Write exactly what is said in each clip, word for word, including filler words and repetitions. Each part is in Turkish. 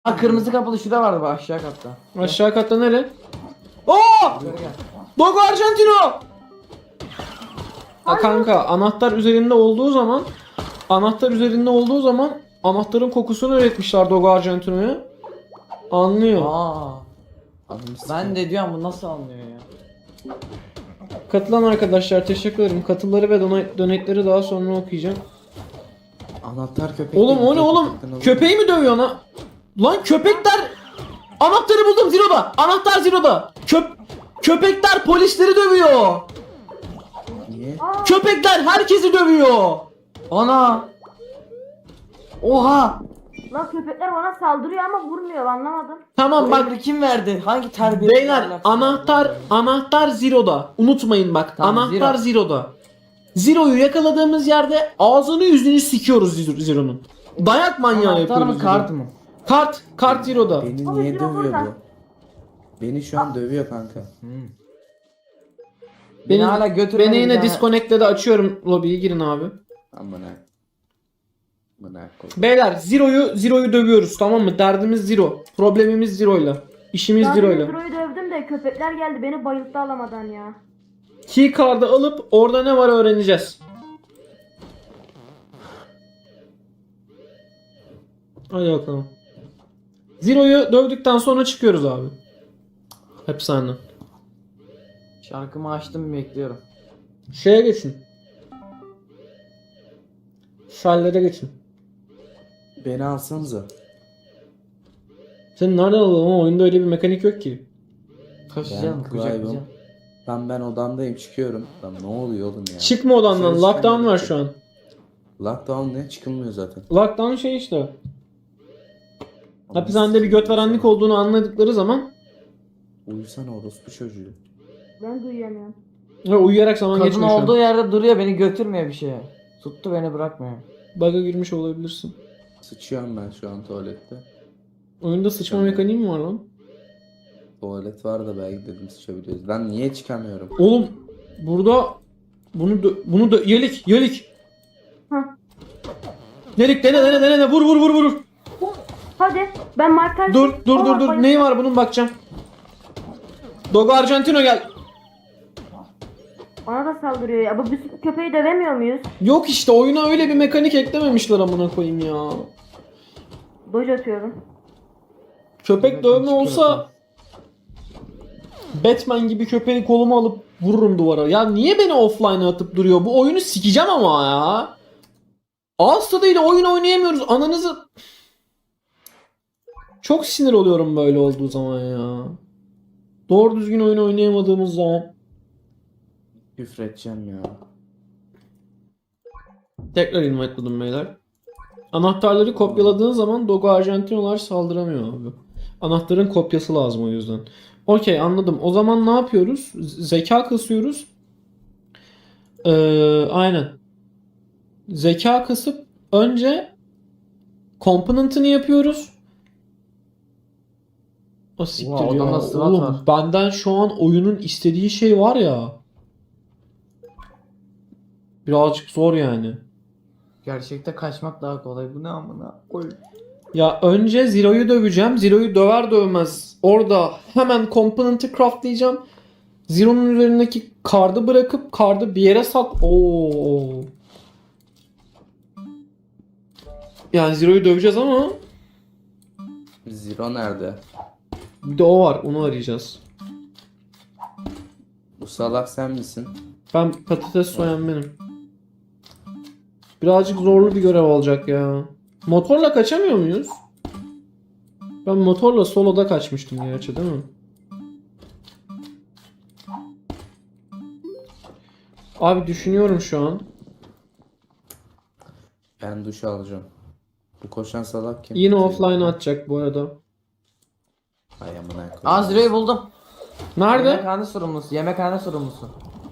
Ha, kırmızı kapılı şurada vardı bak, aşağı katta. Aşağı katta nere? Oo! Yukarı gel. Dogo Argentino! Ha kanka, anahtar üzerinde olduğu zaman anahtar üzerinde olduğu zaman anahtarın kokusunu üretmişler Dogo Argentino'ya. Anlıyor. Aa. Ben de diyorum bu nasıl anlıyor ya? Katılan arkadaşlar teşekkür ederim. Katılları ve donate- donate'leri daha sonra okuyacağım. Anahtar köpek. Oğlum değil, o ne oğlum? köpekten alıyor. Köpeği mi dövüyor lan? Lan köpekler! Anahtarı buldum Zero'da. Anahtar Zero'da. Köp köpekler polisleri dövüyor. Niye? Köpekler herkesi dövüyor. Ana. Oha. Lan köpekler bana saldırıyor ama vurmuyor, anlamadım. Tamam Bu bak emri kim verdi? Hangi terbiye? beyler, anahtar anahtar Zero'da. Unutmayın bak. Tamam, anahtar Zero. Zero'da. Zero'yu yakaladığımız yerde ağzını yüzünü sikiyoruz Zero- Zero'nun. Dayak manyağı Anahtar yapıyoruz. mı kart Zero'yu. mı? Kart. Kart Zero'da. Beni Abi, niye Zero dövüyor burada. bu? Beni şu an dövüyor kanka. Beni Beni, hala götürmedi beni bir yine tane- disconnect'te açıyorum lobiyi, girin abi. Amına. Amına koy. Beyler Zero'yu Zero'yu dövüyoruz, tamam mı? Derdimiz Zero. Problemimiz Zero'yla. İşimiz Ben Zero'yla. Zero'yu dövdüm de köpekler geldi beni bayılttı alamadan ya. Keycard'ı alıp orada ne var öğreneceğiz. Hadi bakalım. Zero'yu dövdükten sonra çıkıyoruz abi. Hapishane. Şarkımı açtım, bekliyorum. Şeye geçin. Şallere geçin. Beni alsanıza. Sen nereden alalım ama oyunda öyle bir mekanik yok ki. Taşıyacağım, Ben kucaklayacağım. Clive'ım. Lan ben odamdayım, çıkıyorum. Lan ne oluyor oğlum ya? Çıkma odandan. Dışarı Lockdown çıkamıyorum var ki. şu an. Lockdown ne? Çıkılmıyor zaten. Lockdown şey işte. Hapishanede bir göt verenlik olduğunu anladıkları zaman Uyusana orospu çocuğu. Ben duyamıyorum. ve uyuyarak zaman Kadın geçmiyor şu an. olduğu yerde duruyor, beni götürmüyor bir şeye. Tuttu, beni bırakmıyor. Bug'a girmiş olabilirsin. Sıçıyorum ben şu an tuvalette. Oyunda sıçma Tamam. mekaniği mi var lan? Tuvalet var da belki dedim sıçabiliyoruz. Lan niye çıkamıyorum? Oğlum burada bunu dö- bunu da yelik yelik. Hı. Yelik dene dene dene dene vur vur vur vur. Hadi ben markaj... Dur dur dur Aa, dur. bayıldım. Neyi var bunun, bakacağım. Dogo Argentino gel. Bana da saldırıyor ya. Bu biz köpeği dövemiyor muyuz? Yok işte, oyuna öyle bir mekanik eklememişler amına koyayım ya. Doj atıyorum. Köpek Evet, dövme çıkıyor olsa Batman gibi köpeği koluma alıp vururum duvara. Ya niye beni offline'a atıp duruyor? Bu oyunu sikeceğim ama ya. Ağız tadıyla oyun oynayamıyoruz. Ananızı... Çok sinir oluyorum böyle olduğu zaman ya. Doğru düzgün oyun oynayamadığımız zaman. Küfredeceğim ya. Tekrar invite'ladım beyler. Anahtarları kopyaladığın zaman Dogo Argentino'lar saldıramıyor abi. Anahtarın kopyası lazım o yüzden. Okey, anladım. O zaman ne yapıyoruz? Z- Zeka kasıyoruz. Ee, aynen. Zeka kasıp önce component'ını yapıyoruz. O siktir Ulan ya. adamda SWAT Oğlum var. benden şu an oyunun istediği şey var ya. Birazcık zor yani. Gerçekte kaçmak daha kolay. Bu ne amına koy. Ya önce Zero'yu döveceğim. Zero'yu döver dövmez orada hemen component'ı craftlayacağım. Zero'nun üzerindeki kartı bırakıp kartı bir yere sak... Oo. Yani Zero'yu döveceğiz ama Zero nerede? bir de o var. Onu arayacağız. Bu salak sen misin? Ben patates soyan benim. Birazcık zorlu bir görev olacak ya. Motorla kaçamıyor muyuz? Ben motorla soloda kaçmıştım gerçi, değil mi? Abi düşünüyorum şu an. Ben duş alacağım. Bu koşan salak kim? Yine Zero. offline atacak bu arada. Ay amına koyayım. Aa, Zero'yu buldum. Nerede? Yemekhane sorumlusu. Yemekhane sorumlusu.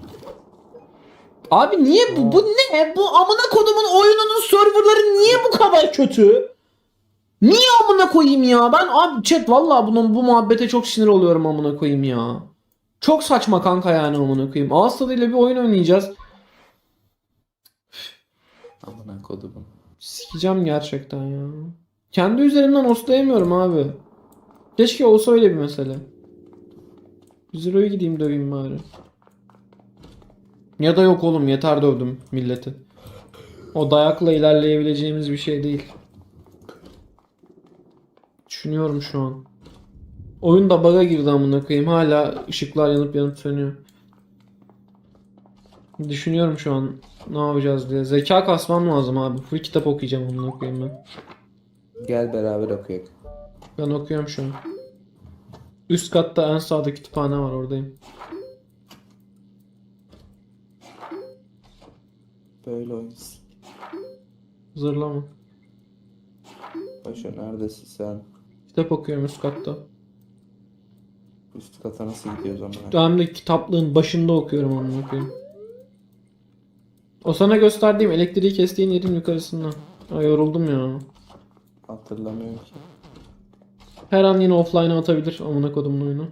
Abi niye bu? Bu ne? Bu amına kodumun oyununun serverları niye bu kadar kötü? Niye amına koyayım ya? Ben abi chat vallahi bunun bu muhabbete çok sinir oluyorum amına koyayım ya. Çok saçma kanka yani amına koyayım. Ağız tadıyla bir oyun oynayacağız. Amına kodumun. Sikeceğim gerçekten ya. Kendi üzerimden hostlayamıyorum abi. Keşke olsa öyle bir mesele. yüz liraya gideyim döveyim bari. Ya da yok oğlum, yeter dövdüm milleti. O dayakla ilerleyebileceğimiz bir şey değil. Düşünüyorum şu an. Oyun da bug'a girdi amına koyayım. Hala ışıklar yanıp yanıp sönüyor. Düşünüyorum şu an ne yapacağız diye. Zeka kasmam lazım abi. Full kitap okuyacağım amına koyayım ben. Gel beraber okuyalım. Ben okuyorum şu an. Üst katta en sağda kütüphane var, oradayım. Böyle oynasın. Zırlama. Paşa neredesin sen? Kitap okuyorum üst katta. Üst kata nasıl gidiyoruz ama? Hem de kitaplığın başında okuyorum amına koyayım. O sana gösterdiğim elektriği kestiğin yerin yukarısında. Ay yoruldum ya. Hatırlamıyorum ki. Her an yine offline'a atabilir amına kodumun oyunu.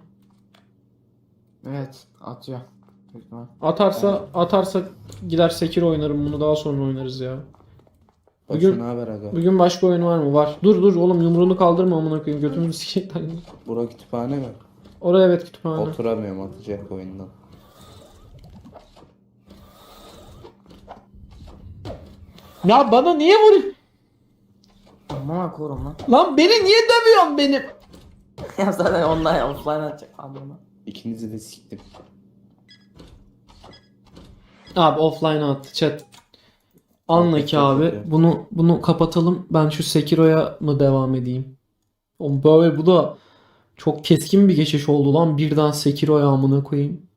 Evet atıyor. Büyük ihtimal. Atarsa atarsa gider Sekiro oynarım, bunu daha sonra oynarız ya. Paşa Bugün- ne haber aga? Bugün başka oyun var mı? Var. Dur dur oğlum, yumruğunu kaldırma amına koyayım, götümü sikecekler. Bura kütüphane mi? Oraya evet, kütüphane. Oturamıyorum, atacak oyundan. Ya bana niye vuruyorsun? Amına korum lan. Lan beni niye dövüyorsun benim? Ya zaten online offline atacak abi onu. İkinizi de siktim. Abi offline'a attı chat. Anla ki abi. Bunu bunu kapatalım. Ben şu Sekiro'ya mı devam edeyim? Oğlum böyle bu da çok keskin bir geçiş oldu lan. Birden Sekiro'ya amına koyayım.